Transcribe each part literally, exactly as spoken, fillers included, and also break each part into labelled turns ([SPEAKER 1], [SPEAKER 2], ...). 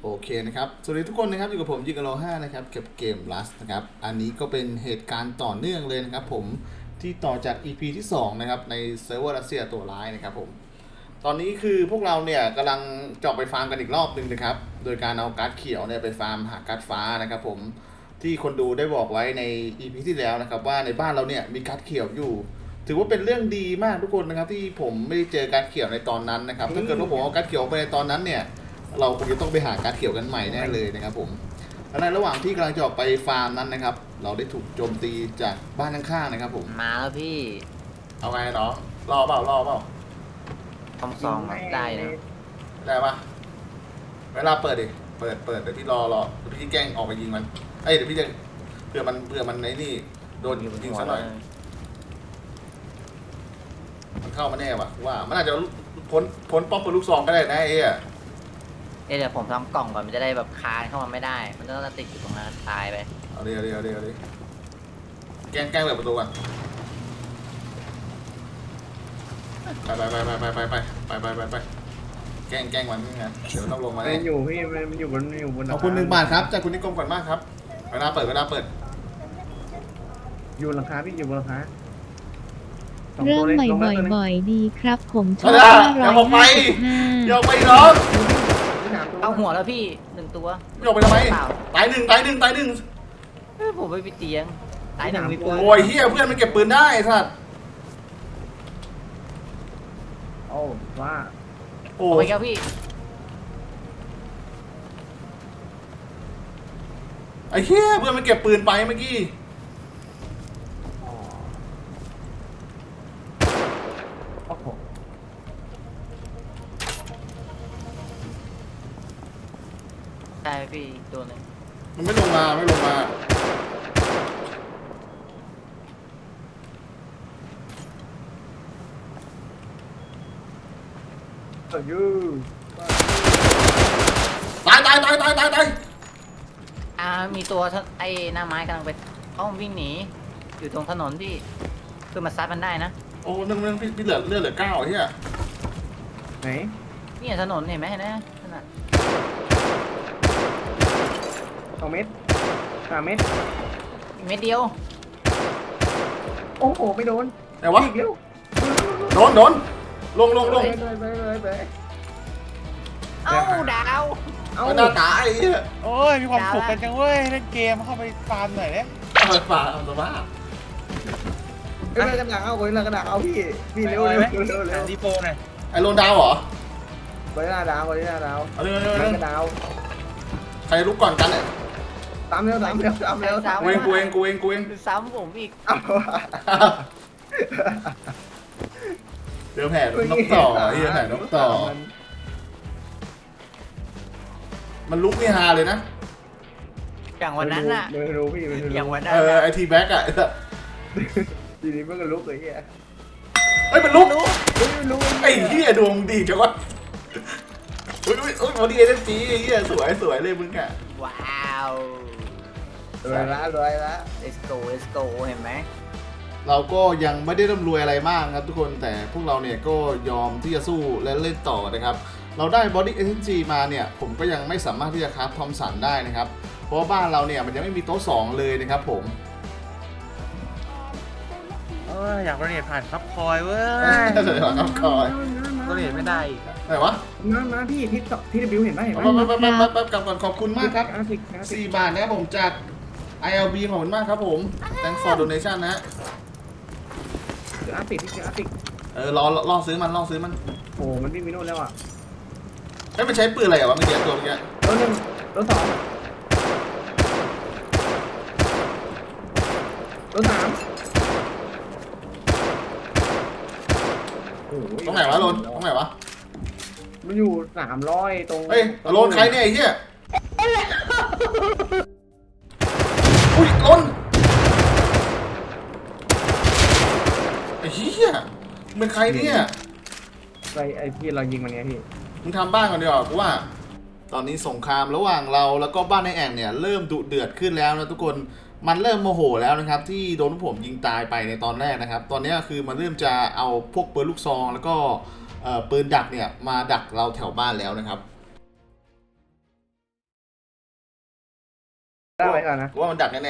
[SPEAKER 1] โอเคนะครับสวัสดีทุกคนนะครับอยู่กับผมยิงกะโลห้านะครับเก็บเกม Rust นะครับอันนี้ก็เป็นเหตุการณ์ต่อเนื่องเลยนะครับผมที่ต่อจาก อี พี ที่สองนะครับในเซิร์ฟเวอร์รัสเซียตัวร้ายนะครับผมตอนนี้คือพวกเราเนี่ยกำลังเจาะไปฟาร์มกันอีกรอบหนึ่งนะครับโดยการเอาการ์ดเขียวเนี่ยไปฟาร์มหาการ์ดฟ้านะครับผมที่คนดูได้บอกไว้ใน อี พี ที่แล้วนะครับว่าในบ้านเราเนี่ยมีการ์ดเขียวอยู่ถือว่าเป็นเรื่องดีมากทุกคนนะครับที่ผมไม่ได้เจอการ์ดเขียวในตอนนั้นนะครับถ้าเกิดว่าผมเอาการ์ดเขียวไปในตอนนั้นเนี่ยเราคงจะต้องไปหาการ์ดเขียวกันใหม่แน่เลยนะครับผมและในระหว่างที่กำลังจะออกไปฟาร์มนั้นนะครับเราได้ถูกโจมตีจากบ้านข้างๆนะครับผม
[SPEAKER 2] มาแล้วพี่
[SPEAKER 1] เอาไงเนาะรอเปล่ารอเปล่า
[SPEAKER 2] ทอมซองได้นะ
[SPEAKER 1] ได้ปะเวลาเปิดดิเปิดเปิดเดี๋ยวพี่รอรอเดี๋ยวพี่แกล้งออกไปยิงมันเอ้ยเดี๋ยวพี่จะเผื่อมันเผื่อมันในนี่โดนยิงซะหน่อยมันเข้ามาแน่วะว่ามันอาจจะพ้นพ้นป้อมปืนลูกซองก็ได้นะไอ้อะ
[SPEAKER 2] เดี๋ยวผมทำกล่องก่อนมันจะได้แบบคานเข้ามาไม่ได้มันต้องติดอยู่ตรงนั้นตายไป
[SPEAKER 1] เอาดิเอาดิเอาดิเอาดิแกล้งแกล้งเปิดประตูก่อนไปไปไปไปไปไปไปไปไปไปแกล้งแกล้งมันนี่ไงเดี๋ยวต้องลงมา
[SPEAKER 3] มันอยู่พี่มันอยู่บนอยู่บน
[SPEAKER 1] ขอบคุณหนึ่งบาทครับจากคุณนิคมก่อนมากครับเวลาเปิดเวลาเปิด
[SPEAKER 3] อยู่หลังคาพี่อยู่บนหลังคา
[SPEAKER 4] เริ่มใหม่บ่อยๆดีครับผมชอบ
[SPEAKER 1] ห้าร้อยห้าสิบห้าโยกไปน้อง
[SPEAKER 2] เอาหัวแล้วพี่หนึ่งตัว
[SPEAKER 1] โยกไปทำไมตายหนึ่งตายหนึ่งตายหนึ่ง
[SPEAKER 2] ผมไปเตียงตายหนึ่งมีปืน
[SPEAKER 1] โอ้ยเฮียเพื่อนมันเก็บปืนได้สัตว์
[SPEAKER 3] โอ้ว่า
[SPEAKER 1] โอ้
[SPEAKER 2] ยครับพี่
[SPEAKER 1] ไอ้เฮียเพื่อนมันเก็บปืนไปเมื่อกี้
[SPEAKER 2] ใช่พี่ตัวนึง
[SPEAKER 1] มันไม่ลงมาไม่ลงมา
[SPEAKER 3] เออยู
[SPEAKER 1] ตายตายตายตายตายตาย
[SPEAKER 2] อ่ามีตัวไอ้หน้าไม้กำลังไปเอ้าวิ่งหนีอยู่ตรงถนนที่คือมาซัดมันได้นะ
[SPEAKER 1] โอ้นึงนึงพี่เหลือเลือดเหลือเก้าเฮีย
[SPEAKER 3] ไหน
[SPEAKER 2] นี่ถนนเห็นไหมนะขนาด
[SPEAKER 3] สองเมตรสามเมตร
[SPEAKER 2] เม็ดเดียว
[SPEAKER 3] โอ้โหไม่โดน
[SPEAKER 1] แต่วะโดนโดนลงลงลง
[SPEAKER 3] ไปไปไปไป
[SPEAKER 2] เอ้าดาว
[SPEAKER 1] เอ้าดาวตาย
[SPEAKER 5] โอ้ยมีความสุขกันจังเว้ยเล่นเกมเข้าไปฟาร์มหน่อยเนี่ย
[SPEAKER 1] เปิดฝาเอาสบาย
[SPEAKER 3] เอ้ยกระดาษเอาคนละกระดาษเอาพี่พี่เร็วเร็วเร็วเร็ว
[SPEAKER 5] ดีโฟหน่อย
[SPEAKER 1] ไอ้โลนดาวเหรอ
[SPEAKER 3] คนละดาวคนละดาว
[SPEAKER 1] เอาเร็วเร็วเร็ว
[SPEAKER 3] กระดาว
[SPEAKER 1] ใครลุกก่อนกันเนี่ย
[SPEAKER 3] ตามเร็วตามเร็วตามเร็ว
[SPEAKER 1] กูเองกูเองกูเองกูเอง
[SPEAKER 2] ซ้ำผมอีก
[SPEAKER 1] เดี๋ยวแผ่นกต่อเฮียแผ่นกต่อมันลุกนี่ฮาเลยนะ
[SPEAKER 2] อย่างวันนั้นน่ะ
[SPEAKER 3] ไม่รู้พี่ไม่รู้
[SPEAKER 2] อย่างวันนั้น
[SPEAKER 1] เออไอทีแบ็กอะ
[SPEAKER 3] ทีนี้มันก็ลุกเลยเฮีย
[SPEAKER 1] เฮ้ยมันลุก
[SPEAKER 3] ไม่รู้
[SPEAKER 1] ไอ้เฮียดวงดีจังวะอุ้ยอุ้ยอุ้ยพอดีเอฟจีเฮียสวยสวยเลยมึงอะ
[SPEAKER 2] ว้าว
[SPEAKER 3] รวยละรวยละ
[SPEAKER 2] let's go let's go เห็นไหม
[SPEAKER 1] เราก็ยังไม่ได้ร่ำรวยอะไรมากครับทุกคนแต่พวกเราเนี่ยก็ยอมที่จะสู้และเล่นต่อนะครับเราได้ Body เอ เอ็น จี มาเนี่ยผมก็ยังไม่สามารถที่จะคราฟทอมสันได้นะครับเพราะว่าบ้านเราเนี่ยมันยังไม่มีโต๊ะสองเลยนะครับผม
[SPEAKER 5] เอออยากโดเนทผ่านซับคอยเว้ย
[SPEAKER 1] ซับคอย
[SPEAKER 5] โดเนทไม่ได้
[SPEAKER 1] ไหนวะ
[SPEAKER 3] น้ำน้ำพี่ที่ที่บิวเห็นไหมเห็นไหม
[SPEAKER 1] แป๊บแป๊บแป๊บแป๊บกลับก่อนขอบคุณมากครับสี่บาทนะครับผมจาก ไอ แอล บี ขอบคุณมากครับผม thanks for donation นะ
[SPEAKER 3] เดี๋ยวอาติดที่เดี๋ยวอาติด
[SPEAKER 1] เออรอรอซื้อมันรอซื้อมัน
[SPEAKER 3] โอ้มันวิ่งไปโน่นแล้วอ่ะ
[SPEAKER 1] เฮ้ยมันใช้ปืนอะไรอ่ะวะเมื่อกี้ตัวเมื่อกี้
[SPEAKER 3] ตัวหนึ่งตัวสองตัวสาม
[SPEAKER 1] ตรงไหนวะโลนตรงไหนวะ
[SPEAKER 3] มันอยู่สามร้อยตรง
[SPEAKER 1] เฮ้ยโลนใครเนี่ยไอ้เหี้ยอุ้ยโลนไอ้เหี้ยเป็นใครเนี่ย
[SPEAKER 3] ไอไอพี่เรายิงมันไงพี่
[SPEAKER 1] มึงทำบ้านก่อนดีกว่ากูว่าตอนนี้สงครามระหว่างเราแล้วก็บ้านในแอ่งเนี่ยเริ่มดุเดือดขึ้นแล้วนะทุกคนมันเริ่มโมโหแล้วนะครับที่โดนผมยิงตายไปในตอนแรกนะครับตอนนี้คือมันเริ่มจะเอาพวกปืนลูกซองแล้วก็ปืนดักเนี่ยมาดักเราแถวบ้านแล้วนะครับ
[SPEAKER 3] ได้ไว้ก่อนนะ
[SPEAKER 1] ว่ามันดักแน่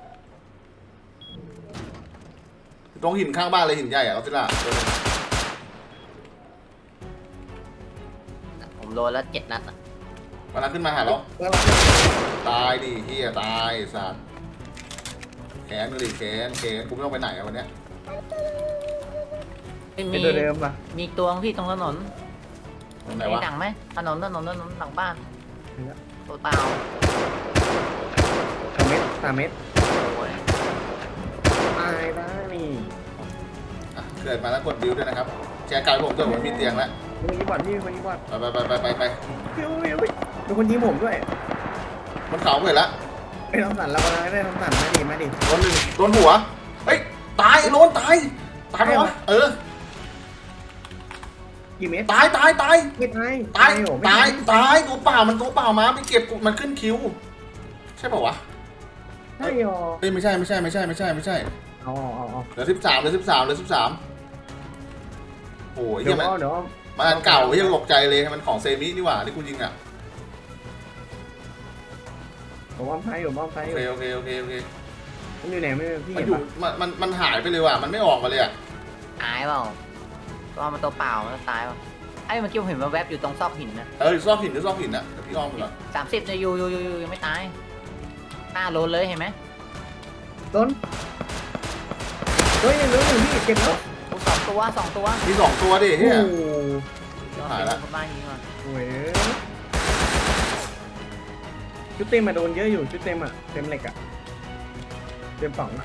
[SPEAKER 1] ๆตรงหินข้างบ้านเลยหินใหญ่อะเราสิล่ะ
[SPEAKER 2] ผมโดนแล้วเจ็ดนัดอะ
[SPEAKER 1] มันนั้นขึ้นมาหาเรา
[SPEAKER 3] แล้วเรา
[SPEAKER 1] ตายดิเฮียตายสัตว์แขนดิแขนแขนกูไม่ต้องไปไหนอะวันเนี้ย
[SPEAKER 2] ไม่
[SPEAKER 3] เป็
[SPEAKER 2] มี
[SPEAKER 3] นตัวเดิมป่ะ
[SPEAKER 2] มีตัวพี่ตรงถนน
[SPEAKER 1] ตรงไหน
[SPEAKER 2] มี
[SPEAKER 1] วะ
[SPEAKER 2] หนังไหมถนนถนนถนนหลังบ้านตัวเปล่า
[SPEAKER 3] สามเมตรสามเมตร
[SPEAKER 2] โอ้ย
[SPEAKER 3] ตายได้นี่
[SPEAKER 1] อ่ะเกิดมาแล้วกดบิวด้วยนะครับแชร์กายผมด้วยผมมีเตียงแล้ว
[SPEAKER 3] มีคนยิงบอลพี่มีคนยิงบอล
[SPEAKER 1] ไปไปไปไปไปไป
[SPEAKER 3] ฟิวฟิวมีคนยิงผมด้วย
[SPEAKER 1] มันเขาเกิดละ
[SPEAKER 3] ไอ้ทำสันเรากำลังได้ทำสันมาดิมาดิ
[SPEAKER 1] โดนหนึ่งโดนหัวเฮ้ยตายไอ้โดนตายตายไหมวะเออ
[SPEAKER 3] กี่เมตร
[SPEAKER 1] ตายตายตาย
[SPEAKER 3] ไม่ตาย
[SPEAKER 1] ตาย
[SPEAKER 3] โอ้ไม่
[SPEAKER 1] ตายตายตัวเปล่ามันตัวเปล่ามาไปเก็บมันขึ้นคิวใช่ป่าวะ
[SPEAKER 3] ใช่หรอ
[SPEAKER 1] เอ้ยไม่ใช่ไม่ใช่ไม่ใช่ไม่ใช่ไม่ใช่
[SPEAKER 3] เอาเอาเอา
[SPEAKER 1] เหลือสิบสามเหลือสิบสามเหลือสิบสามโอ้ย
[SPEAKER 3] เดี๋
[SPEAKER 1] เฮี
[SPEAKER 3] ย
[SPEAKER 1] ยว มัน
[SPEAKER 3] เอาเดี๋ยวเอา
[SPEAKER 1] มันอันเก่าเฮียตกใจเลยมันของเซมินี่หว่าที่กูยิงอ่ะ
[SPEAKER 3] ผมว่าไฟอยู่บ้องไฟ
[SPEAKER 1] โอ
[SPEAKER 3] อยู่
[SPEAKER 1] เคโอเคโอเคโอเค
[SPEAKER 3] มันอยู่ไหนไม่พี่
[SPEAKER 1] มัน
[SPEAKER 3] เห็น
[SPEAKER 1] อยู่
[SPEAKER 3] ปะ
[SPEAKER 1] มันมันมันหายไปเลยว่ะมันไม่ออกมาเลยอ่ะ
[SPEAKER 2] ตายเปล่าตัวมันตัวเปล่ามันตายเปล่าไอ้เมื่อกี้ผมเห็นว่าแวบอยู่ตรงซอกหินนะ
[SPEAKER 1] เออซอกหินหรือซอกหินนะเดี๋ยวพี่อ้อมไปก่อน
[SPEAKER 2] สามสิบเนี่ยอยู่อยู่อยู่อยู่ยังไม่ตายหน้าโลนเลยเห็นไหม
[SPEAKER 3] ต้นเฮ้ยยังเหลือหนึ่งพี่เก็บแล้ว
[SPEAKER 2] โอ้สองตัวสองตัว
[SPEAKER 1] มีสองตัวดิเฮีย
[SPEAKER 3] โอ้โห
[SPEAKER 1] หายละ
[SPEAKER 2] คนบ้านยิงก่อน
[SPEAKER 3] โอ้ยชุดเต็มมาโดนเยอะอยู่ชุดเต็มอ่ะเต็มเหล็กอ่ะเต็มสองอ่ะ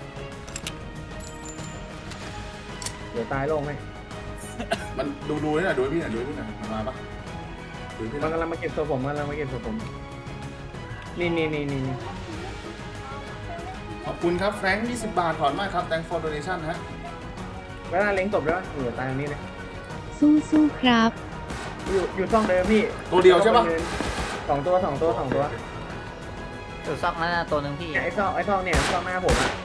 [SPEAKER 3] เดี๋ยวตายลงไหม
[SPEAKER 1] มันดูดูนี่หน่อยดูให้พี่หน่อยดูให้พี่หน่อยมันมาปะดูให้พี่ห
[SPEAKER 3] มั
[SPEAKER 1] น่อย
[SPEAKER 3] นกำลังมาเก็บตัวผมมันกำลังมาเก็บตัวผมนี่นี่นี่นี่
[SPEAKER 1] ขอบคุณครับแฟรงค์ยี่สิบบาทถอนมากครับ thank for donation ฮะ
[SPEAKER 3] เวลาเล็งตบด้วยอยู่ตายตรงนี้เลย
[SPEAKER 4] สู้สู้ๆครับ
[SPEAKER 3] อยู่อยู่ช่องเดิมพี่
[SPEAKER 1] ตัวเดียวใช่ปะ
[SPEAKER 3] สองตัวสองตัวสองตัว
[SPEAKER 2] อยู่ซอกนั้นนะตัวหนึ่งพี่
[SPEAKER 3] เนี่ยไอ้ช่องไอ้ช่องเนี่ยช่องหน้าผมอ่ะ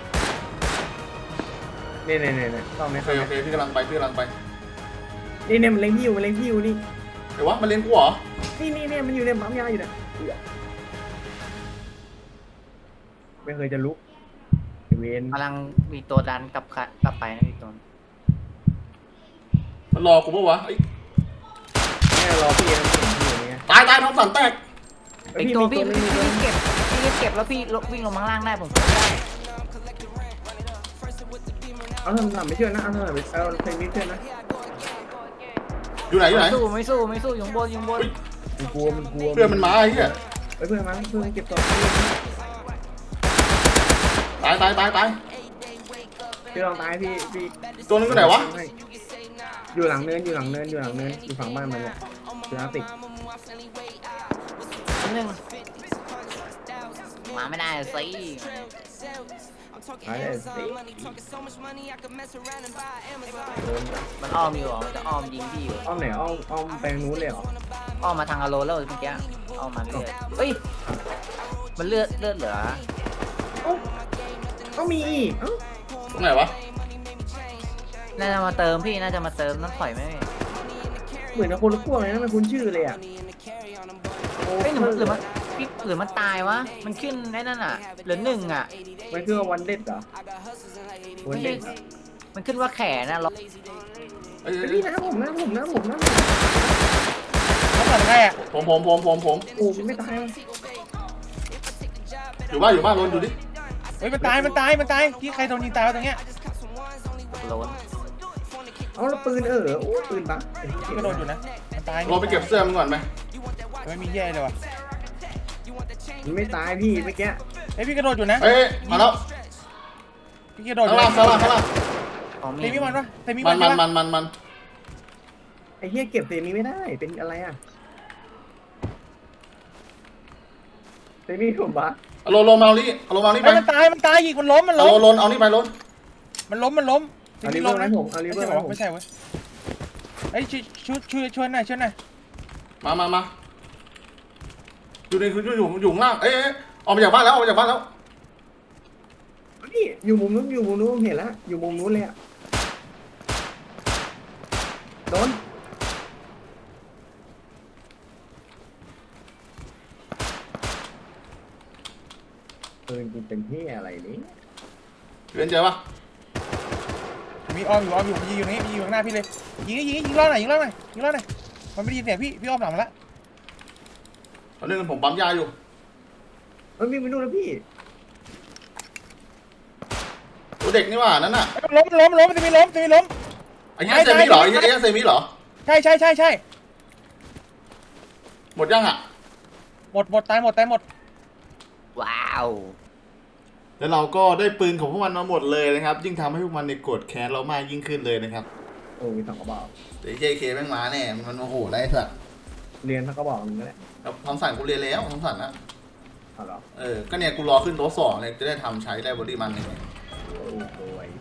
[SPEAKER 3] นี่นี่นี่นี่ช่องนี้
[SPEAKER 1] โอเคโอเคพี่กำลังไปพี่กำลังไป
[SPEAKER 3] นี่เนี่ยมันเล็งพี่อยู่มันเล็งพี่อยู่นี่
[SPEAKER 1] เดี๋ยววะมันเลี้ยงกูเหรอ
[SPEAKER 3] นี่นี่เนี่ยมันอยู่ในปั๊มยาอยู่เนี่ยไม่เคยจะลุกเวน
[SPEAKER 2] กำลังมีตัวดันกลับขะกลับไปนะอีกตัว
[SPEAKER 1] มันรอกูปะวะเอ้ย
[SPEAKER 3] เนี่ยรอพี่นะพี่อยู่เนี่ย
[SPEAKER 1] ตายตายท้องสันแตก
[SPEAKER 2] อีกตัวพี่พี่พี่รีบเก็บพี่รีบเก็บแล้วพี่ลงวิ่งลงมาข้างล่างได้ผมได้
[SPEAKER 3] เอาทำทำไม่เชื่อนะเอาทำไม่เอาเพลงนี้เชื่อนะ
[SPEAKER 1] อยู่ไหนอยู่ไหน
[SPEAKER 2] ไม่สู้ไม่สู้ไม่สู้อยู่ข้างบนอยู่ข้างบน
[SPEAKER 3] มันกลัวมันกลัว
[SPEAKER 1] เพื่อนมันมาไอ้เหี้ย
[SPEAKER 3] เฮ้ยเพื่อนมาเพื่อนเก็บตัว
[SPEAKER 1] ตายตายตายตาย
[SPEAKER 3] พี่ลองตายพี่พี่
[SPEAKER 1] ตัวนึงก็ไหนวะ
[SPEAKER 3] อยู่หลังเนินอยู่หลังเนินอยู่หลังเนินอยู่ฝั่งบ้านมันเนี่ยคืออาร์ติก
[SPEAKER 2] หนึ่งมาไม่ได้สิ
[SPEAKER 3] หายเลยสิ
[SPEAKER 2] มันอ้อมอยู่เหรอมันจะอ้อมยิงพี่อยู่
[SPEAKER 3] อ้อมไหนอ้อมอ้อมไปนู้นเลยเหรอ
[SPEAKER 2] อ้อมมาทางอโลแล้วเมื่อกี้อ้อมมาเรื่อยเฮ้ยมันเลือดเลือดเหลือ
[SPEAKER 3] เอ้าก็มีอีกเอ้า
[SPEAKER 1] ตรงไหนวะ
[SPEAKER 2] น่าจะมาเติมพี่น่าจะมาเติมน้ำถอยไหม
[SPEAKER 3] เหมือนกับคนละพวกเลยนะมันคุ้นชื่อเลยอ่ะโอ้
[SPEAKER 2] เฮ้ยหรือมันหรือมันพี่หรือมันตายวะมันขึ้นไอ้นั่นอ่ะเหลือหนึ่งอ่ะ
[SPEAKER 3] มันคือวันเด็ดเหรอวันเด็ด
[SPEAKER 2] มันขึ้นว่าแขนนะล็อก
[SPEAKER 1] เอ้ย
[SPEAKER 3] ไอ้
[SPEAKER 1] เอ้ย
[SPEAKER 3] พี่นะผมนะผมนะผมนะ
[SPEAKER 5] เขาเปิดใครอ่ะ
[SPEAKER 1] ผมผมผมผมผม
[SPEAKER 3] โอ้ไม่ตาย
[SPEAKER 1] อยู่บ้านอยู่บ้านรนอยู่ดิ
[SPEAKER 5] เฮ้ยมันตายมันตายมันตายพี่ใครโดนยิงตายวะตรงเนี้ย
[SPEAKER 2] โลน
[SPEAKER 3] เอาแล้วปืนเออโอ้ปืนปะ
[SPEAKER 5] พี่ก็โดนอยู่นะมันตาย
[SPEAKER 1] รอไปเก็บเสื้อมันก่อนไหม
[SPEAKER 5] ไม่มีแย่เลยวะ
[SPEAKER 3] มันไม่ตายพี่เมื่อกี้
[SPEAKER 5] เฮ้ยพี่กระโดดอยู่นะ
[SPEAKER 1] เอ้ยมาแล้ว
[SPEAKER 5] พี่กระโดดอ
[SPEAKER 1] ข้าง
[SPEAKER 5] ยู่
[SPEAKER 1] ล่างข้างล่างข้างล่าง
[SPEAKER 2] ของมี
[SPEAKER 5] เซมิมันวะเซมิ
[SPEAKER 1] มั
[SPEAKER 5] มัน น
[SPEAKER 1] มัน
[SPEAKER 5] ใช่
[SPEAKER 1] มั
[SPEAKER 5] ปะ
[SPEAKER 1] นมันมัน
[SPEAKER 3] ไอ้เหี้ยเก็บเซนี้ไม่ได้เป็นอะไรอ่ะเซนี้ผมปะ
[SPEAKER 1] เอาลงลงมาเอานี่เอาลงมาเอานี่ไป
[SPEAKER 5] เฮ้ยมันตายมันตายยิงมันล้มมัน
[SPEAKER 1] เอา
[SPEAKER 5] ล้
[SPEAKER 1] ล
[SPEAKER 5] ม
[SPEAKER 1] งลงเอานี่ไปลง
[SPEAKER 5] มันล้มมันล้มเซ
[SPEAKER 3] เอา
[SPEAKER 5] มิ
[SPEAKER 3] ลิเว
[SPEAKER 5] ล้
[SPEAKER 3] อ
[SPEAKER 5] ม
[SPEAKER 3] ร์ไหม
[SPEAKER 5] นะ
[SPEAKER 3] ผมเอาลิ
[SPEAKER 5] ไม่
[SPEAKER 3] เวอ
[SPEAKER 5] ใช่
[SPEAKER 3] ร์ไหมผม
[SPEAKER 5] ไม่ใช่เว้ยเฮ้ยช่วยช่วยช่วยช่วยหน่อยช่วยหน่อย
[SPEAKER 1] มามามาอยู่ในคืออยู่อยู่ข้างล่างเอ้ยเอ้ยออกมาจากบ้านแล้วออกมาจากบ้านแล้ว
[SPEAKER 3] นี่อยู่มุมนู้นอยู่มุมนู้นผมเห็นแล้วอยู่มุมนู้นเลยอ่ะโดนปืนกูเป็นที่อะไรนี่
[SPEAKER 1] เรียนเจอปะ
[SPEAKER 5] มีอ้อมอยู่อ้อมอยู่ยิงอยู่นี่ยิงอยู่ข้างหน้าพี่เลยยิงยิงยิงล่อหน่อยยิงล่อหน่อยยิงล่อหน่อยมันไม่ได้ยินเสียงพี่พี่อ้อมหลังมาแล้ว
[SPEAKER 1] ตอนนี้ผมปั๊มยาอยู่
[SPEAKER 3] เอ้ยวิ่งไปนู่นแล้วพี่
[SPEAKER 1] ตัวเด็กนี่หว่านั่นน่ะ
[SPEAKER 5] ล้มล้มล้มจะมีล้มจะมีล้ม
[SPEAKER 1] ไอ้เงี้ยเซมิเหรอไอ้เงี้ยเซมิเหรอ
[SPEAKER 5] ใช่ใช่ใช่ใช่
[SPEAKER 1] หมดยังอ่ะ
[SPEAKER 5] หมดหมดตายหมดตายหมด
[SPEAKER 2] ว้าว
[SPEAKER 1] แล้วเราก็ได้ปืนของพวกมันมาหมดเลยนะครับ ยิ่งทำให้พวกมันในยโกรธแค้นเรามากยิ่งขึ้นเลยนะครับ
[SPEAKER 3] โอ้มีสองกระบอก
[SPEAKER 1] แต่เจเคแม่งมาแน่มันโอ้โหไรสัตว์
[SPEAKER 3] เรียนสักกระบอกหนึงก็ได้
[SPEAKER 1] แล้วทำสั่นกูเรียนแล้วทำสั่นนะ
[SPEAKER 3] เอาเหรอ
[SPEAKER 1] เออก็เนี่ยกูรอขึ้นโต๊ะสองเลยจะได้ทำใช้ได้บอดี้มันเลย
[SPEAKER 3] โอ้โหย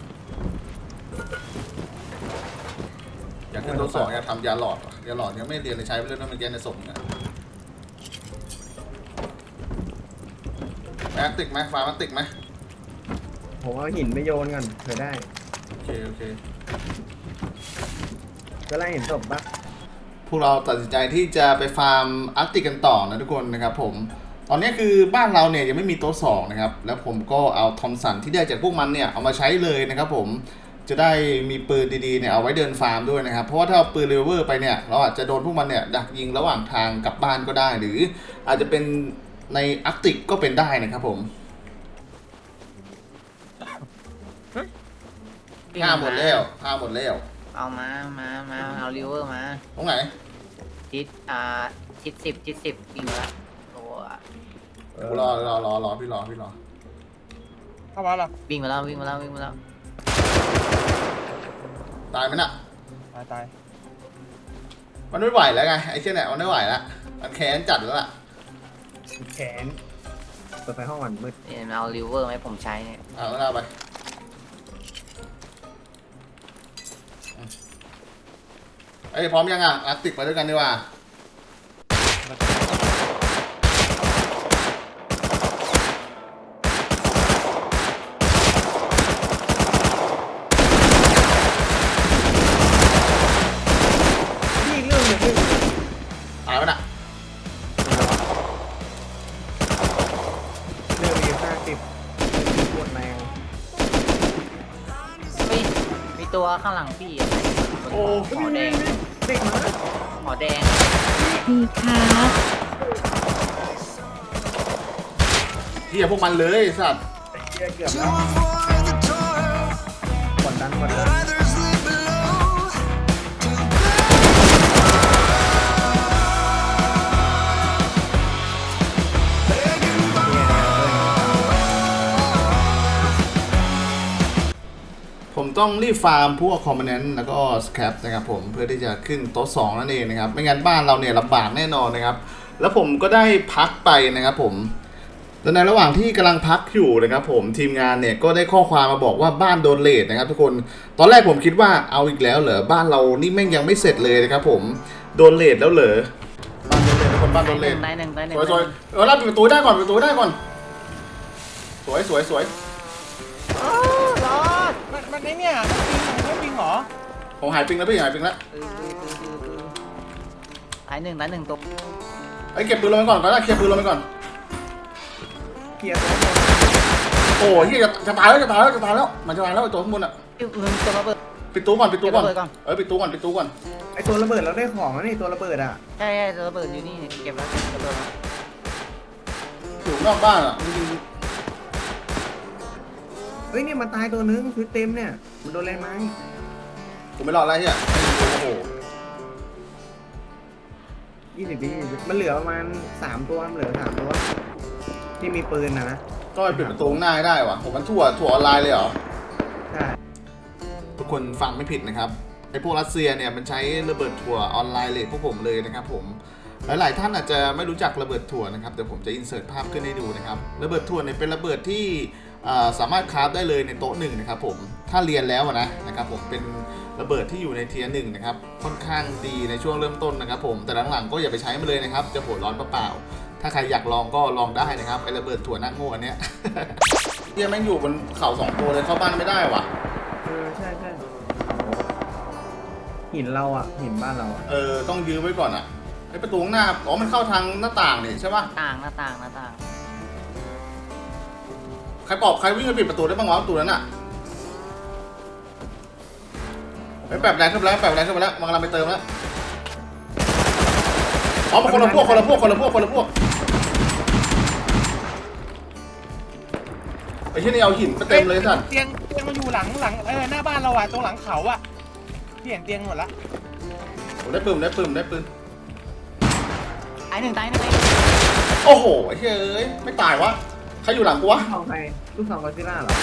[SPEAKER 1] อยากขึ้นโต๊ะสองอยากทำยาหลอดว่ะยาหลอดยังไม่เรียนเลยใช้ไปเรื่อยๆเมื่อกี้ในสมเนี่ยแม็กติกไหมฟ้ามันติกไหม
[SPEAKER 3] ผมเอาหินไปโยนกันเคยได้
[SPEAKER 1] โอเคโอเค
[SPEAKER 3] ก็ไล่เห็นศพปะ
[SPEAKER 1] พวกเราตัดสินใจที่จะไปฟาร์มอาร์กติกกันต่อนะทุกคนนะครับผมตอนนี้คือบ้านเราเนี่ยยังไม่มีโต๊ะสองนะครับแล้วผมก็เอาทอมสันที่ได้จากพวกมันเนี่ยเอามาใช้เลยนะครับผมจะได้มีปืนดีๆเนี่ยเอาไว้เดินฟาร์มด้วยนะครับเพราะว่าถ้าเอาปืนเรเวอร์ไปเนี่ยเราอาจจะโดนพวกมันเนี่ยดักยิงระหว่างทางกลับบ้านก็ได้หรืออาจจะเป็นในอาร์กติกก็เป็นได้นะครับผมห้าหมดแล้วห้าหมดแล้ว
[SPEAKER 2] เอามามามาเอาริเวอร์มา
[SPEAKER 1] ตรงไหน
[SPEAKER 2] ทิศอ่าทิศสิบทิศสิบวิ่งมาละตัว
[SPEAKER 1] กูรอรอรอรอพี่รอพี่รอ
[SPEAKER 5] เข้ามาแล้ว
[SPEAKER 2] วิ่งมาแล้ววิ่งมาแล้ววิ่งมาแล้ว
[SPEAKER 1] ตายไหมน่ะ
[SPEAKER 5] ตายตาย
[SPEAKER 1] มันไม่ไหวแล้วไงไอ้เช่นเนี่ยมันไม่ไหวแล้วมันแค้นจัดแล้วล่ะ
[SPEAKER 3] แขนเปิดไฟห้องก่อนมืด
[SPEAKER 2] เนี่ยเอาริเวอร์ไหมผมใช้เนี่ย
[SPEAKER 1] เอาแล้วเอาไปไอ้ยพร้อมยังอ่ะอาร์ติกไปด้วยกันดีกว่า
[SPEAKER 3] พี่อีกเรื่องหนึงพี่
[SPEAKER 1] ตายไหมน่ะ
[SPEAKER 3] เรื่องมีห้าสิบปวดแรง
[SPEAKER 2] เฮ้ยมีตัวข้างหลังพี่อะหอแดง
[SPEAKER 3] เด็กมา
[SPEAKER 2] หอแดง
[SPEAKER 4] ดีครับ
[SPEAKER 1] เฮียพวกมันเลยไอ้สัตว์
[SPEAKER 3] เหี้ยเกือบแล้วกดดันกดดัน
[SPEAKER 1] ผมต้องรีบฟาร์มพวกคอมโพเนนต์แล้วก็สแครปนะครับผมเพื่อที่จะขึ้นโต๊ะสองนั่นเองนะครับไม่งั้นบ้านเราเนี่ยลำบากแน่นอนนะครับแล้วผมก็ได้พักไปนะครับผมแต่ในระหว่างที่กำลังพักอยู่นะครับผมทีมงานเนี่ยก็ได้ข้อความมาบอกว่าบ้านโดนเลทนะครับทุกคนตอนแรกผมคิดว่าเอาอีกแล้วเหรอบ้านเรานี่แม่งยังไม่เสร็จเลยนะครับผมโดนเลทแล้วเหรอบ้านโดนเลททุกคนบ้านโดนเลท
[SPEAKER 2] ได้หนึ่งได้หนึ่ง
[SPEAKER 1] สวยสวยเออรับปิดประตูได้ก่อนปิดประตูได้ก่อนสวยสวยสวย
[SPEAKER 2] โอ้รอด
[SPEAKER 5] มันมันไอ้เนี่ยมันปิงมันไม่ปิงเหรอ
[SPEAKER 1] ผมหายปิงแล้วพี่หายปิงแล้ว
[SPEAKER 2] ตื้อตื้อตื้อตื้อตื้อได้หนึ่งได้หนึ่งตัว
[SPEAKER 1] ไอ้ยเก็บปืนลงไปก่อนก่อนนะเคลียร์ปืนลงไปก่อน
[SPEAKER 3] เคลียร์ตัว
[SPEAKER 1] โอ้ยเหี้ยจะจะตายแล้วจะตายแล้วจะตายแล้วมันจะตายแล้วไอ้ตัวข้างบนอ่ะ
[SPEAKER 2] พี่มึงตัวระเบิด
[SPEAKER 1] ปิดตู้ก่อนปิดตู้ก่อน
[SPEAKER 2] เก็บระเบิดก่อน
[SPEAKER 1] เออปิดตู้ก่อนปิดตู้ก่อน
[SPEAKER 3] ไอตัวระเบิดเราได้ของแล้วนี่ตัวระเบิดอ่ะ
[SPEAKER 2] ใช่ใช่ตัวระเบิดอยู่นี่เก็บแล้วระเบิดแล้ว
[SPEAKER 1] อยู่นอกบ้านอ่ะจริง
[SPEAKER 3] เฮ้ยเนี่ยมันตายตัวนึงคือเต็มเนี่ยมันโดนอะไรไหม
[SPEAKER 1] ๆกูไม่รอดแล้วเฮียโอ้โห
[SPEAKER 3] ยี่สิบวิมันเหลือประมาณสามตัวมันเหลือสามตัวที่มีปืนนะนะ
[SPEAKER 1] ก็ไปปิดประตูข้างหน้าให้ได้ว่ะผมมันทั่วทั่วออนไลน์เลยเหรอ
[SPEAKER 3] ใช่
[SPEAKER 1] ทุกคนฟังไม่ผิดนะครับไอ้พวกรัสเซียเนี่ยมันใช้ระเบิดถั่วออนไลน์เลยพวกผมเลยนะครับผมหลายๆท่านอาจจะไม่รู้จักระเบิดถั่วนะครับเดี๋ยวผมจะอินเสิร์ตภาพขึ้นให้ดูนะครับระเบิดถั่วเนี่ยเป็นระเบิดที่อ่าสามารถคราฟได้เลยในโต๊ะหนึ่งนะครับผมถ้าเรียนแล้วนะนะครับผมเป็นระเบิดที่อยู่ในเทียร์หนึ่งนะครับค่อนข้างดีในช่วงเริ่มต้นนะครับผมแต่หลังๆก็อย่าไปใช้มันเลยนะครับจะหัวร้อนเปล่าๆถ้าใครอยากลองก็ลองได้นะครับไอ้ระเบิดถั่วหน้าโง่อันเนี้ย เฮียแม่งอยู่บนเขาสองตัวเลยเข้าบ้านไม่ได้ว่ะ
[SPEAKER 3] เออใช่ใช่หินเราอ่ะหินบ้านเราอ่ะ
[SPEAKER 1] เออต้องยื้อไว้ก่อนอ่ะไอประตูข้างหน้าอ๋อมันเข้าทางหน้าต่างนี่ใช่ป่ะ
[SPEAKER 2] ต่างหน้าต่างหน้าต่าง
[SPEAKER 1] ใครปอบใครวิ่งไปปิดประตูได้บ้างวะประตูนั้นอ่ะไอ้แบบแรงขึ้นไปแล้วแบบแรงขึ้นไปแล้วมันกำลังไปเติมแล้วอ๋อคนละพวกคนละพวกคนละพวกคนละพวกไอ้ที่นี่เอาหินไปเต็มเลยสัตว์
[SPEAKER 5] เตียงเตียงมันอยู่หลังหลังเออหน้าบ้านเราอะตรงหลังเขาอะพี่เห็นเตียงหมดละ
[SPEAKER 1] ผมได้ปืนได้ปืนได้ปืน
[SPEAKER 2] ตายหนึ่งตายหนึ่งเลย
[SPEAKER 1] โอ้โหไอ้เฮ้ยไม่ตายวะใครอยู่หลังกูวะ
[SPEAKER 3] ลูกซองใครลูกซองกอซิล่าเหรอ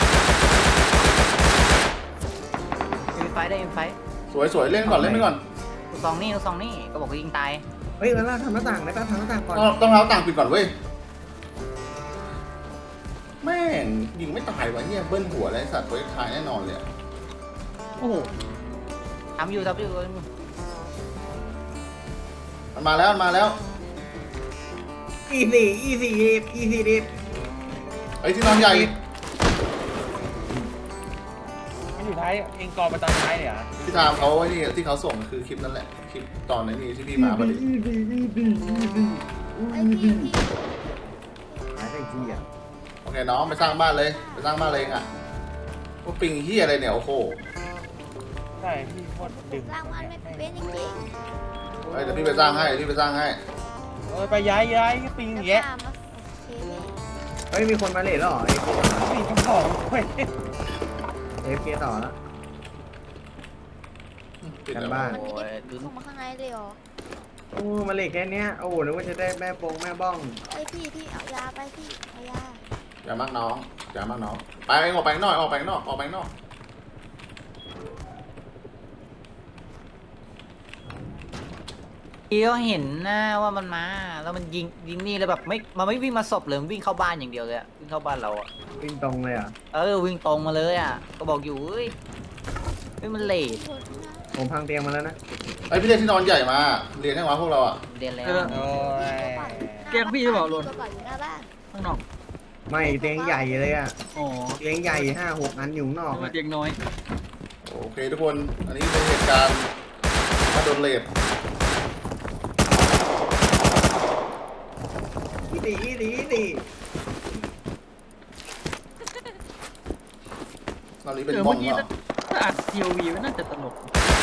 [SPEAKER 2] อินไฟได้อินไฟ
[SPEAKER 1] สวยสวยเล่นก่อนเล่นไปก่อน
[SPEAKER 2] ลูกซองนี่ลูกซองนี่ก็บอกว่ายิงตาย
[SPEAKER 3] เฮ้ยแล้วเราทำหน้าต่างได้ป่ะทำหน้าต่างก่อน
[SPEAKER 1] ต้องต้องเอาต่างปิดก่อนเว้ยแม่งยิงไม่ตายวะเนี่ยเบิ้ลหัวเลยสัตว์ตัวท้ายแน่นอนเลย
[SPEAKER 2] โอ้โหทำอยู่ทำอยู่
[SPEAKER 1] มันมาแล้วมันมาแล้ว
[SPEAKER 3] อีสี่อีสี่ดิบอีสี่ดิบ
[SPEAKER 1] ไอ้ที่นอนใหญ่
[SPEAKER 5] มันอยู่ท้ายเองกอไปตอนท้ายเลยเหรอ
[SPEAKER 1] ที่ทามเขาไอ้นี่ที่เขาส่งคือคลิปนั่นแหละคลิปตอนนี้ที่พี่มาพอดี
[SPEAKER 3] อีสี่อีสี่อีสี่
[SPEAKER 6] ไอ้พี่พี่
[SPEAKER 3] หายไปทีอ่ะ
[SPEAKER 1] โอเคน้องไปสร้างบ้านเลยไปสร้างบ้านเลยเองอ่ะพวกปิงเฮียอะไรเนี่ยโอ้โห
[SPEAKER 5] ใช่พี่โคตรดึง
[SPEAKER 6] สร้างมันไม่เป็นจริง
[SPEAKER 1] เฮ้ยเดี๋ยวพี่ไปสร้างให้พี่ไปสร้างให้
[SPEAKER 5] เออไปย้ายย้ายปิง
[SPEAKER 6] ๆ
[SPEAKER 5] อย่าง
[SPEAKER 6] จะ
[SPEAKER 5] เงี้ย
[SPEAKER 6] พามาโอเคพี่
[SPEAKER 3] เฮ้ยมีคนมาเลทแล้วเหรอ
[SPEAKER 5] ปิงกระบอกเว้ย
[SPEAKER 3] เอฟเคต่อแล้ว
[SPEAKER 1] ปิด
[SPEAKER 3] กัน
[SPEAKER 1] แล้ว
[SPEAKER 3] บ้าน
[SPEAKER 2] โอ้ยดึง
[SPEAKER 6] เข้ามาข้างในเลยเหรอ
[SPEAKER 3] โอ้มาเลทแค่เนี้ยโอ้โหนึกว่าจะได้แม่ปงแม่บ้อง
[SPEAKER 6] ไอ้พี่พี่เอายาไปพี่เอายา
[SPEAKER 1] อย่ามากน้องอย่ามากน้องไปออกไปข้างนอกออกไปข้างนอกออกไปข้างนอก
[SPEAKER 2] พี่ก็เห็นนะว่ามันมาแล้วมันยิงยิงนี่แล้วแบบไม่มันไม่วิ่งมาศพเลยมันวิ่งเข้าบ้านอย่างเดียวเลยอะวิ่งเข้าบ้านเราอะ
[SPEAKER 3] วิ่งตรงเลยอ่ะ
[SPEAKER 2] เออวิ่งตรงมาเลยอะก็บอกอยู่เฮ้ยเฮ้ยมันเลท
[SPEAKER 6] คนนะ
[SPEAKER 3] ผมพังเตียงมาแล้วนะ
[SPEAKER 1] ไอพี่เรียกที่นอนใหญ่มาเรียนให้วะพวกเราอ่ะ
[SPEAKER 2] เรียนแล้ว
[SPEAKER 5] โอ้ย
[SPEAKER 6] เรียกพี่จะบอกลนกระเป๋าอยู่หน้าบ้าน
[SPEAKER 7] ข้างนอก
[SPEAKER 3] ไม่เตียงใหญ่เลยอ่ะ
[SPEAKER 7] อ๋อ
[SPEAKER 3] เตียงใหญ่ห้าหกอันอยู่ข้างนอก
[SPEAKER 7] ทำไม
[SPEAKER 3] อะ
[SPEAKER 7] เตียงน้อย
[SPEAKER 1] โอเคทุกคนอันนี้เป็นเหตุการณ์มาโดนเลด
[SPEAKER 3] อีสี่อีสี่อีสี่
[SPEAKER 1] ตอนนี้เป็น
[SPEAKER 7] เออ
[SPEAKER 1] บ้อ
[SPEAKER 7] เมื่
[SPEAKER 1] ง
[SPEAKER 7] อกี้
[SPEAKER 1] เหรอ
[SPEAKER 7] ถ้าอัดทีโอวีมันน่าจะตลก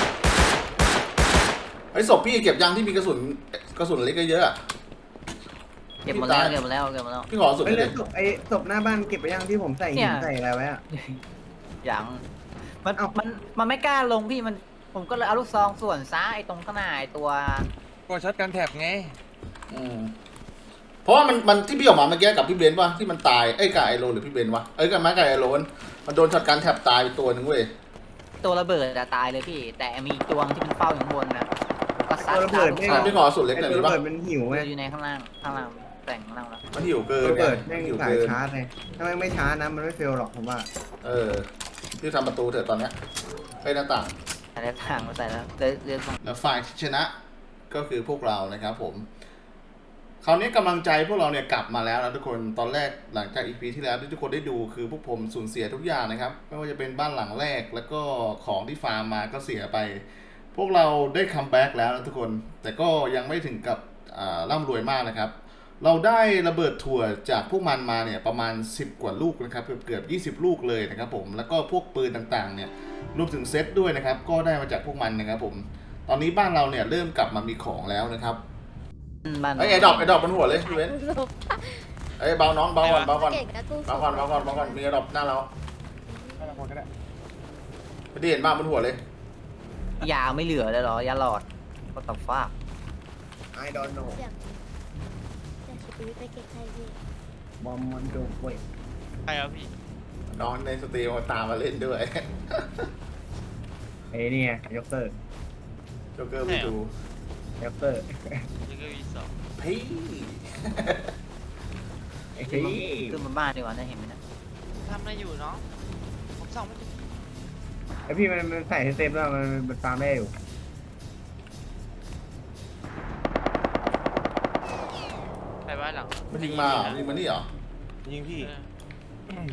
[SPEAKER 1] ไอ้ศพพี่เก็บยังที่มีกระสุนกระสุนเล็กเยอะๆอะ
[SPEAKER 2] เก็บหมดแล้วเก็บหมดแล้วเก็บหมดแล้ว
[SPEAKER 1] พี่ขอสุด
[SPEAKER 3] เฮ้ย
[SPEAKER 1] เล
[SPEAKER 3] แล้
[SPEAKER 1] ยว
[SPEAKER 3] ศพไอ้ศพหน้าบ้านเก็บไปยังที่ผมใส่
[SPEAKER 2] เนี่
[SPEAKER 3] หิน
[SPEAKER 2] ย
[SPEAKER 3] ใส่อะไรไว้อ่ะ
[SPEAKER 2] อย่างมัน
[SPEAKER 3] เอ้ามั
[SPEAKER 2] มันมันไม่กล้าลงพี่มันผมก็เลยเอาลูกซองส่วนซ้ายไอ้ตรงข้างหน้าไอ้ตัว
[SPEAKER 5] กดช็อตกันแท็บไง
[SPEAKER 1] อืมเพราะว่ามันมันที่พี่ออกมาเมื่อกี้กับพี่เบนซ์ป่ะที่มันตายไอ้ยกับไอโรนหรือพี่เบนซ์วะเอ้ยกับไม้กับไอโรนมันโดนช็อตการแถบตายไปตัวหนึ่งเว้ย
[SPEAKER 2] ตัวระเบิดอะตายเลยพี่ แต่มีอีกตัวที่มันเฝ้าอยู่ข้างบนนะก็ซัด
[SPEAKER 3] ตัวระเบิด
[SPEAKER 2] ลูก
[SPEAKER 3] ไม่
[SPEAKER 2] ซอง
[SPEAKER 1] พี่ขอสุดเล็ก
[SPEAKER 3] ไอ้
[SPEAKER 1] หน่อย
[SPEAKER 3] ตัว
[SPEAKER 1] ดี
[SPEAKER 3] ระ
[SPEAKER 1] ป่ะ
[SPEAKER 3] เบิดมันหิวไง
[SPEAKER 2] อยู่ในข้างล่างข้างล่างแต่งข้างล่างแล้ว
[SPEAKER 1] มันหิวเกิ
[SPEAKER 3] ตัวน ระเบิด
[SPEAKER 1] ไง
[SPEAKER 3] แม่ง
[SPEAKER 1] หิว
[SPEAKER 3] สาย
[SPEAKER 1] เกิน
[SPEAKER 3] ชาร์จเลยถ้าแม่งไม่ชาร์จนะมันไม่เฟลหรอกผมว่า
[SPEAKER 1] เออที่ทำประตูเถอะตอนเนี้ยไอ้หน้าต่าง
[SPEAKER 2] ใส่ทางมาใส่แล้วเลือกเลือกมา
[SPEAKER 1] แล้วฝ่ายที่ชนะก็คือพวกเรานะครับผม คราวนี้กำลังใจพวกเราเนี่ยกลับมาแล้วนะทุกคนตอนแรกหลังจากอีพีที่แล้วที่ทุกคนได้ดูคือพวกผมสูญเสียทุกอย่างนะครับไม่ว่าจะเป็นบ้านหลังแรกแล้วก็ของที่ฟาร์มมาก็เสียไป พวกเราได้คัมแบ็กแล้วนะทุกคนแต่ก็ยังไม่ถึงกับอ่าร่ำรวยมากนะครับ เราได้ระเบิดถั่วจากพวกมันมาเนี่ยประมาณสิบกว่าลูกนะครับเกือบเกือบยี่สิบลูกเลยนะครับผมแล้วก็พวกปืนต่างๆเนี่ยรวมถึงเซตด้วยนะครับก็ได้มาจากพวกมันนะครับผมตอนนี้บ้านเราเนี่ยเริ่มกลับมามีของแล้วนะครับ
[SPEAKER 2] บ้าน
[SPEAKER 1] ไอ้ไอ้ดอกไอ้ดอกบนหัวเลยพี่เว้นไอ้เบาน้องเบาก่อนเบาก่อน
[SPEAKER 6] เก่งนะตู้
[SPEAKER 1] เบาก่อนเบาก่อนเบาก่อนมีไอ้ดอกหน้าเรา
[SPEAKER 5] ไม่ต้องคนก็ได้
[SPEAKER 1] ไม่ได้เห็นบ้านบนหัวเลย
[SPEAKER 2] ยาไม่เหลือเลยเหรอยาหลอดก็ต้องฟ้า
[SPEAKER 3] ไอดอนโน
[SPEAKER 6] เสียงเสียงชีวิตไปเก็บใครพี่
[SPEAKER 3] บอมมันโดเว้ย
[SPEAKER 8] ใช่ครับพี่
[SPEAKER 1] น้องในสตรีมมาตามมาเล่นด้วย
[SPEAKER 3] ไอ้นี่ไงยกเตอร์
[SPEAKER 1] โจ๊กเกอร์ไปดู
[SPEAKER 3] ยกเตอร์
[SPEAKER 8] ยังก็วีสอง
[SPEAKER 1] พี่
[SPEAKER 3] ไอ้
[SPEAKER 2] ขึ้น
[SPEAKER 3] ที่
[SPEAKER 2] มาขึ้นมาบ้านดีกว่าน่าเห็นไหมนะ
[SPEAKER 8] ทำอะไรอยู่น้อง ผมส่องไม่ถึง
[SPEAKER 3] ไอพี่มันมันใส่เต็มแล้วมันมันฟาร์มได้อยู่
[SPEAKER 8] ไปบ้านหลัง
[SPEAKER 1] มันยิงมาเหรอยิงมานี่เหรอ
[SPEAKER 5] ยิงพี่
[SPEAKER 8] เออ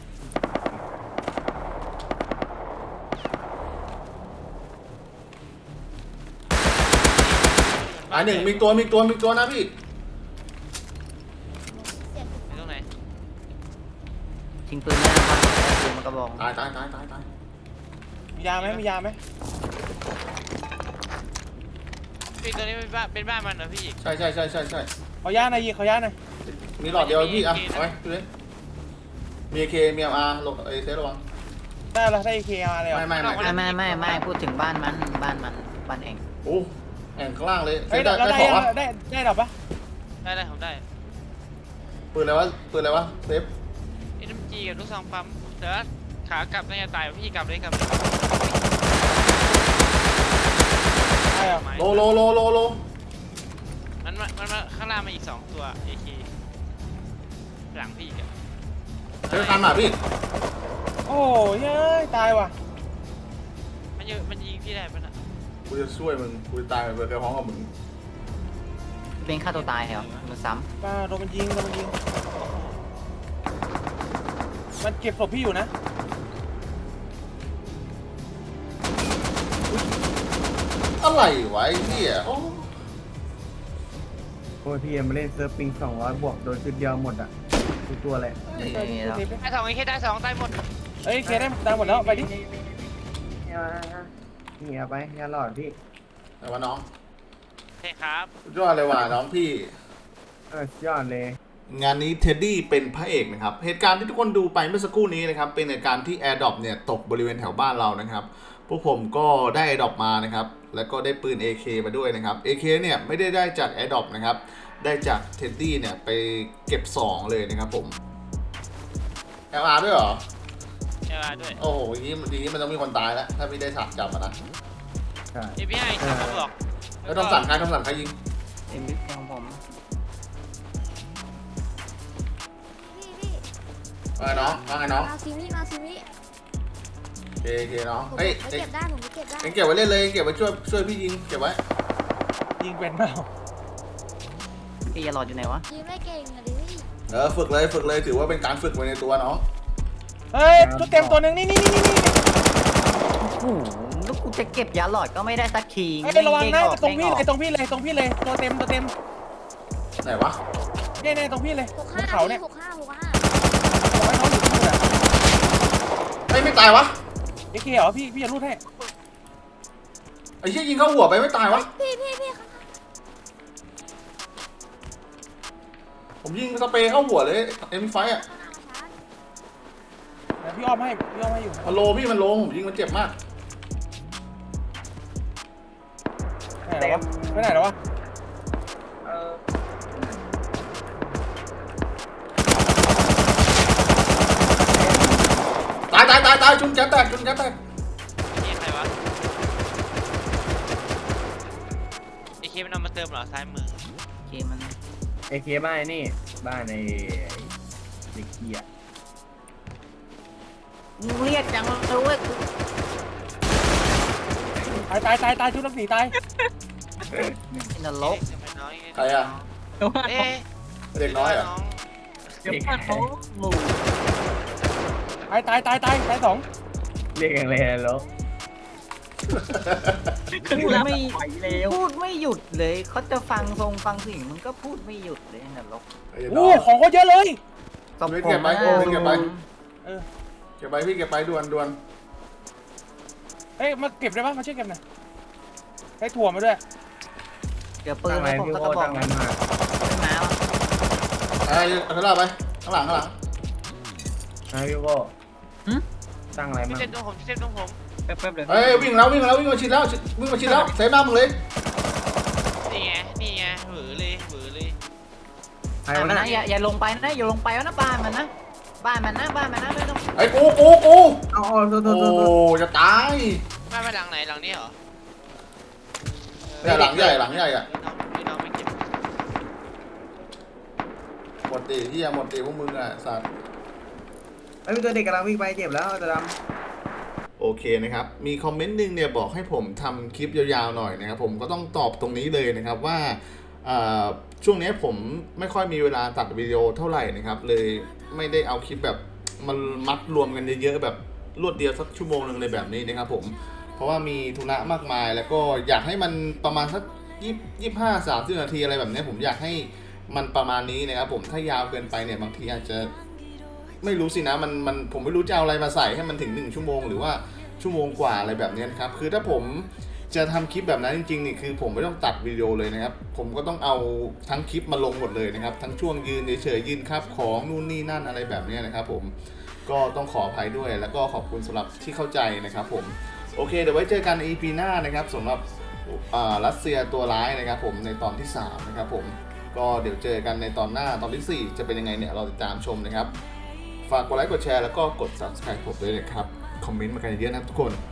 [SPEAKER 1] อ่าหนึ่งมีตัวมีตัวมีตัวนะพี่
[SPEAKER 6] เสียง
[SPEAKER 8] ไปตรงไหน
[SPEAKER 1] ท
[SPEAKER 2] ทิ้งปืนไม่ได้บ้านแล้วปืนมันกระบอก
[SPEAKER 1] ตายตายตายตายตาย
[SPEAKER 5] มียาไหมมียาไหม
[SPEAKER 8] พี่ตัวนี้เป็นบ้านเป็นบ้านมันเหรอพี่
[SPEAKER 1] ใช่ใช่ใช่ใช่ใช่
[SPEAKER 5] ขอยาหน่อยยีขอยาหน่อย
[SPEAKER 1] มีหลอดเดียวพี่อ่ะเอาไว้ดูดิมีเคมีเอ็มอาร์ลงเอเซระวัง
[SPEAKER 5] ได้แล้วได้เอเคมาเลยเหรอ
[SPEAKER 1] ไม่ไม่ไม่
[SPEAKER 2] ไม่ไม่ไม่ไม่พูดถึงบ้านมันบ้านมันบ้านเอง
[SPEAKER 1] โอ้แองข้างล่างเลย
[SPEAKER 5] เฮ้ย
[SPEAKER 1] ได้
[SPEAKER 5] เรา
[SPEAKER 1] ได้
[SPEAKER 5] ได้
[SPEAKER 1] ของวะ
[SPEAKER 5] ได้ได้หรอปะ
[SPEAKER 8] ได้ได้ผมได้
[SPEAKER 1] ปืนอะไรวะปืนอะไรวะเซฟ
[SPEAKER 8] เอ็มจีกับลูกซองปั๊มแต่ว่าขากลับน่าจะตายพี่กลับเลยกลับเลย
[SPEAKER 5] ได้เหรอ
[SPEAKER 1] โลโลโลโลโล
[SPEAKER 8] มันมันมันข้างล่างมาอีกสองตัวเอเคหลังพี่กับ
[SPEAKER 1] เจอคันหมาพี่
[SPEAKER 5] โอ้ยเฮ้ยตายว่ะ
[SPEAKER 8] มันยิงมันยิงพี่ได้ปะน่ะ
[SPEAKER 1] กูจะช่วยมึงกูจะตายไปเจอพร้อมกับมึง
[SPEAKER 2] เป็นฆ่าตัวตายเหรอมันซ้
[SPEAKER 5] ป้าโดนมันยิงโดนมันยิงมันเก็บศพพี่อยู่นะ
[SPEAKER 1] อะไรวะไอ้เหี้ยโอ้
[SPEAKER 3] โอ้ยพี่เอ็มมาเล่นเซิร์ฟปิงสองร้อยบวกโดนชุดเดียวหมดอ่ะทุกตัวเลย
[SPEAKER 2] ำนี่นี่แล้ว
[SPEAKER 8] ได้สองไอ้แค่ได้สองตายหมด
[SPEAKER 5] เอ้ยเคได้ตายหมดแล้วไปดิ
[SPEAKER 3] นี่เอาไปยาหลอดพี่
[SPEAKER 1] แต่ว่าน้อง
[SPEAKER 8] ใช่ครับ
[SPEAKER 1] สุดยอดเลยว่ะน้องพี่
[SPEAKER 3] เออสุดยอดเลย
[SPEAKER 1] งานนี้เท็ดดี้เป็นพระเอกนะครับเหตุการณ์ที่ทุกคนดูไปเมื่อสักครู่นี้นะครับเป็นเหตุการณ์ที่ AirDrop เนี่ยตกบริเวณแถวบ้านเรานะครับพวกผมก็ได้ AirDrop มานะครับแล้วก็ได้ปืน เอ เค มาด้วยนะครับ เอ เค เนี่ยไม่ได้ได้จาก AirDrop นะครับได้จากเท็ดดี้เนี่ยไปเก็บสองเลยนะครับผม แอล อาร์ ด้วยเหรอ
[SPEAKER 8] ใช่ด้วย
[SPEAKER 1] โอ้โหอย่างนี้อย่างนี้มันต้องมีคนตายแล้วถ้าไม่ได้สับจับอะนะ
[SPEAKER 3] ใช่
[SPEAKER 8] เอพีไอสามกระบอก
[SPEAKER 1] แล้วต้องสั่งใครต้องสั่งใครยิง
[SPEAKER 2] เอ็มบิ๊กของผม
[SPEAKER 6] พี่พี่
[SPEAKER 1] ว่าไงน้องว่าไงน้อง
[SPEAKER 6] มาซิมิมาซิมิ
[SPEAKER 1] เอเคน้อง
[SPEAKER 6] ผม
[SPEAKER 1] เฮ้ย
[SPEAKER 6] ไป
[SPEAKER 1] เอ็ง
[SPEAKER 6] เก็บได้ผมไปเก็บได้
[SPEAKER 1] เอ็งเก็บไว้เล่นเลยเอ็งเก็บไว้ช่วยช่วยพี่ยิงเก็บไว้
[SPEAKER 5] ยิงเป็นเปล่า
[SPEAKER 2] พี่จะหลอดอยู่ไหนวะ
[SPEAKER 6] ยิงไม่เก่งอะดิพี่
[SPEAKER 1] เออฝึกเลยฝึกเลยถือว่าเป็นการฝึกไว้ในตัวน้อง
[SPEAKER 5] เฮ้ยชุดเต็มตัวหนึ่งนี่นี่นี่นี่นี่
[SPEAKER 2] โอ้โหลูกกูจะเก็บยาหลอดก็ไม่ได้สักที
[SPEAKER 5] เฮ้ยระวังนะ
[SPEAKER 2] เด้ออก
[SPEAKER 5] ตรงพี่
[SPEAKER 2] ด้อ
[SPEAKER 5] เล
[SPEAKER 2] อก
[SPEAKER 5] ยตรงพี่เลยตรงพี่เลยตัวเต็มตัวเต็ม
[SPEAKER 1] ไหนวะ
[SPEAKER 5] เนี่ยเนี่ยตรงพี่เลย
[SPEAKER 6] หก
[SPEAKER 5] บ
[SPEAKER 6] ห้าน
[SPEAKER 5] เขาเนี่ย
[SPEAKER 6] หกห้าหกห้า
[SPEAKER 5] บอกให้น้องอยู่ที่นู่นอะ
[SPEAKER 1] เฮ้ยไม่ตายวะ
[SPEAKER 5] เอเคเหรอพี่พี่จะรูดให้
[SPEAKER 1] ไอ้เหี้ยยิงเข้าหัวไปไม่ตายวะ
[SPEAKER 6] พี่พี่พี่ข้าง
[SPEAKER 1] ผมยิงสเปรย์เข้าหัวเลยเอ็มไฟอะ
[SPEAKER 6] หน้าชาร์จ
[SPEAKER 5] เดี๋ยวพี่อ้อมให้พี่อ้อมให้อยู่
[SPEAKER 1] มันโลพี่มันโลผมยิงมันเจ็บมาก
[SPEAKER 5] ไหนแล้ววะไปไหนแล้ววะ
[SPEAKER 1] ตายตายตายตายชุนแก๊สแตกชุนแก๊สแตก
[SPEAKER 8] เอใครวะเอเคมันเอามาเติมเหรอซ้ายมือ
[SPEAKER 2] โอเคมัน
[SPEAKER 3] เอเคบ้านไอ้นี่บ้านในเด็กเกียร์
[SPEAKER 2] มึงเรียกจังเลยเว้ย
[SPEAKER 5] ตายตายตายตายชุดทั้งสี่ตาย
[SPEAKER 2] อินเดลก
[SPEAKER 8] ทำไมน้อย
[SPEAKER 1] ใครอะ
[SPEAKER 8] เอ๊ะ
[SPEAKER 1] เด็กน้อยเหรอ
[SPEAKER 2] เดี๋ยวพลาดเขาหมู่
[SPEAKER 5] ตายตายตายตายตายสอง
[SPEAKER 3] เรียกอย่างไรแล้ว
[SPEAKER 2] พูดไม่พูดไม่หยุดเลยเขาจะฟังทรงฟังเสิ่งมันก็พูดไม่หยุดเลยอินเดลก
[SPEAKER 1] ไอ้น้
[SPEAKER 5] โอ้
[SPEAKER 1] อง
[SPEAKER 5] ของเขาเยอะเลย
[SPEAKER 2] กับ
[SPEAKER 1] ไม่
[SPEAKER 2] ผ
[SPEAKER 1] เก็
[SPEAKER 2] ม
[SPEAKER 1] บไว้
[SPEAKER 2] นะ
[SPEAKER 1] ไม่เก็บไว้
[SPEAKER 5] เออ
[SPEAKER 1] เก็บไปพี่เก็บไปด่วนด่วน
[SPEAKER 5] เอ้ยมาเก็บได้ปะมาช่วยเก็บหน่อยได้ถั่วมาด้วย
[SPEAKER 2] เดี๋ยวปืน
[SPEAKER 3] ตั้งไร
[SPEAKER 2] ให้ผม
[SPEAKER 3] พี่
[SPEAKER 2] สัก
[SPEAKER 3] โก้
[SPEAKER 2] กระบอก
[SPEAKER 3] ตั้งไร
[SPEAKER 2] นะ
[SPEAKER 3] มา
[SPEAKER 2] ไม่มาว่ะ
[SPEAKER 1] ไอ้เอาข้างหน้าไปข้างหลังข้างหลัง
[SPEAKER 3] นะพี่โก้ตั้งอะไร
[SPEAKER 8] พี่
[SPEAKER 3] มา
[SPEAKER 8] เซฟตรงผมพี่เซฟตรงผม
[SPEAKER 7] แป๊บๆเลย
[SPEAKER 1] เฮ้ยวิ่งแล้ววิ่งแล้ววิ่งมาชิดแล้ววิ่งมาชิดแล้วเซฟหน้ามึงเลย
[SPEAKER 8] นี่ไงนี่ไงหวือเลยหวือเลย
[SPEAKER 3] ใคร
[SPEAKER 2] อ่ะ
[SPEAKER 3] วะ
[SPEAKER 2] มัน
[SPEAKER 3] นะ
[SPEAKER 2] นะอย่าอย่าลงไปนะอย่าลงไปนะบ้านมันนะบ้านมันนะบ้านมันนะไม่ต้อง
[SPEAKER 1] ไอ้กูกูกู
[SPEAKER 3] เอาเอาโทษโท
[SPEAKER 1] โอ้
[SPEAKER 3] ษโทษโทษ
[SPEAKER 1] จะตาย
[SPEAKER 8] บ้านไปหลังไหนหลังนี้เหรอ
[SPEAKER 1] เนี่ยหลังใหญ่หลังใหญ่อะ
[SPEAKER 8] พี่น้องพี่น้องไม่เก็บ
[SPEAKER 1] หมดตีที่หมดตีพวกมึงอะสัตว์
[SPEAKER 3] ไอ้ยมีตัวเด็กกำลังวิ่งไปเจ็บแล้วจะด
[SPEAKER 1] โอเคนะครับ มีคอมเมนต์หนึ่งเนี่ยบอกให้ผมทำคลิปยาวๆหน่อยนะครับ ผมก็ต้องตอบตรงนี้เลยนะครับว่าอ่าช่วงนี้ผมไม่ค่อยมีเวลาตัดวิดีโอเท่าไหร่นะครับ เลยไม่ได้เอาคลิปแบบมันมัดรวมกันเยอะๆแบบรวดเดียวสักชั่วโมงหนึ่งเลยแบบนี้นะครับผม เพราะว่ามีธุระมากมายแล้วก็อยากให้มันประมาณสักยี่ยี่ห้าสามสิบนาทีอะไรแบบนี้ผมอยากให้มันประมาณนี้นะครับผมถ้ายาวเกินไปเนี่ยบางทีอาจจะไม่รู้สินะมันมันผมไม่รู้จะเอาอะไรมาใส่ให้มันถึงหนึ่งชั่วโมงหรือว่าชั่วโมงกว่าอะไรแบบนี้นะครับคือถ้าผมจะทำคลิปแบบนั้นจริงๆนี่คือผมไม่ต้องตัดวิดีโอเลยนะครับผมก็ต้องเอาทั้งคลิปมาลงหมดเลยนะครับทั้งช่วงยืนเฉยๆยืนครับของนู่นนี่นั่นอะไรแบบนี้นะครับผมก็ต้องขออภัยด้วยแล้วก็ขอบคุณสำหรับที่เข้าใจนะครับผมโอเคเดี๋ยวไว้เจอกันใน อี พี หน้านะครับสำหรับรัสเซียตัวร้ายนะครับผมในตอนที่สามนะครับผมก็เดี๋ยวเจอกันในตอนหน้าตอนที่สี่จะเป็นยังไงเนี่ยเราติดตามชมนะครับฝากกดไลค์กดแชร์แล้วก็กด ซับสไครบ์ ผมด้วยนะครับคอมเมนต์มากันเยอะนะครับทุกคน